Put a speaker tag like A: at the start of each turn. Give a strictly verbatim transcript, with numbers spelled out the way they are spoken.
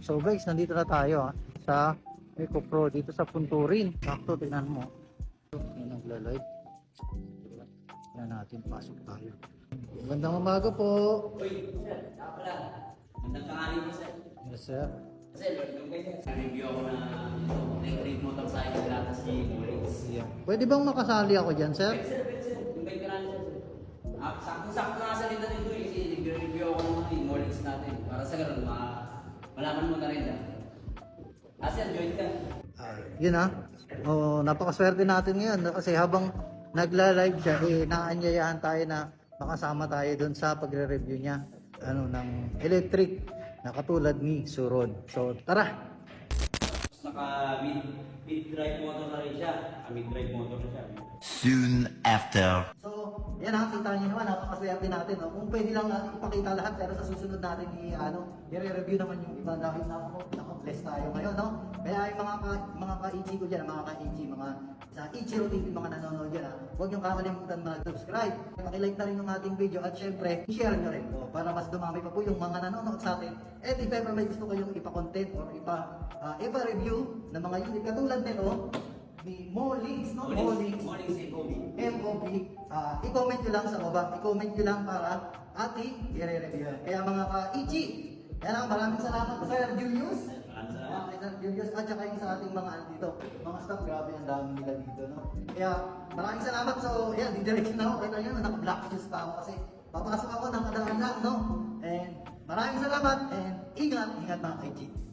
A: So guys, nandito na tayo ah, sa Eco Pro dito sa Punturin. Sakto, tingnan mo. Yung nagla-live. Tingnan natin, pasok tayo. Magandang umaga po.
B: Uy, sir, saka pala. Magandang tanghali po, sir.
A: Yes sir.
B: Kasi, welcome kayo, sir. Review ako na electric motorcycle na si Morix.
A: Yeah. Pwede bang makasali ako dyan sir?
B: Pwede, sir, pwede, sir. Yung bike ka na sir. Ah, sakto-sakto na sa rin natin ito eh. Kasi nag-review ako ng mga Morix natin. Para sa ganun, ma malaman mo na rin na. Ah, sir, join ka.
A: Ah, yun ah. Oh, napakaswerte natin ngayon no? Kasi habang nagla-live siya, eh, naanyayahan tayo na makasama tayo doon sa pagre-review niya ano ng electric na katulad ni Suron. So, tara.
B: Naka mid mid drive motor na rin siya. Ah, mid drive motor na siya.
C: Soon after.
A: So, yan ha, kita niyo naman, napakaswerte natin. No? Kung pwede lang uh, ipakita lahat, pero sa susunod natin i ano, i-review naman yung iba dahil na ako, naka-bless tayo ngayon, no? Kaya yung mga ka, mga ka-Ichi ko dyan, mga ka-Ichi, mga sa Ichiro T V, mga nanonood dyan, ha? Huwag niyong kakalimutan mag-subscribe, pakilike na rin yung ating video, at syempre, i-share nyo rin po para mas dumami pa po yung mga nanonood sa atin. And if ever may gusto kayong ipa-content or ipa, uh, ipa-review ng mga unit katulad nito, ni Molings, no? Molings.
B: Mornings and Kobe.
A: M O B, uh, i-comment nyo lang sa baba. I-comment nyo lang para ating i-review. Kaya mga ka-Ichi, kaya lang maraming salamat po Sir Julius.
B: Maraming salamat.
A: Uh, kay Sir Julius at saka yung sa ating mga ano dito. Mga staff, grabe ang dami nila dito. No? Kaya maraming salamat. So, yan, didirection na ako. Kaya yun, naka-black shoes pa ako kasi papasok ako ng kadaan lang, no? And maraming salamat and ingat, ingat mga ka-Ichi.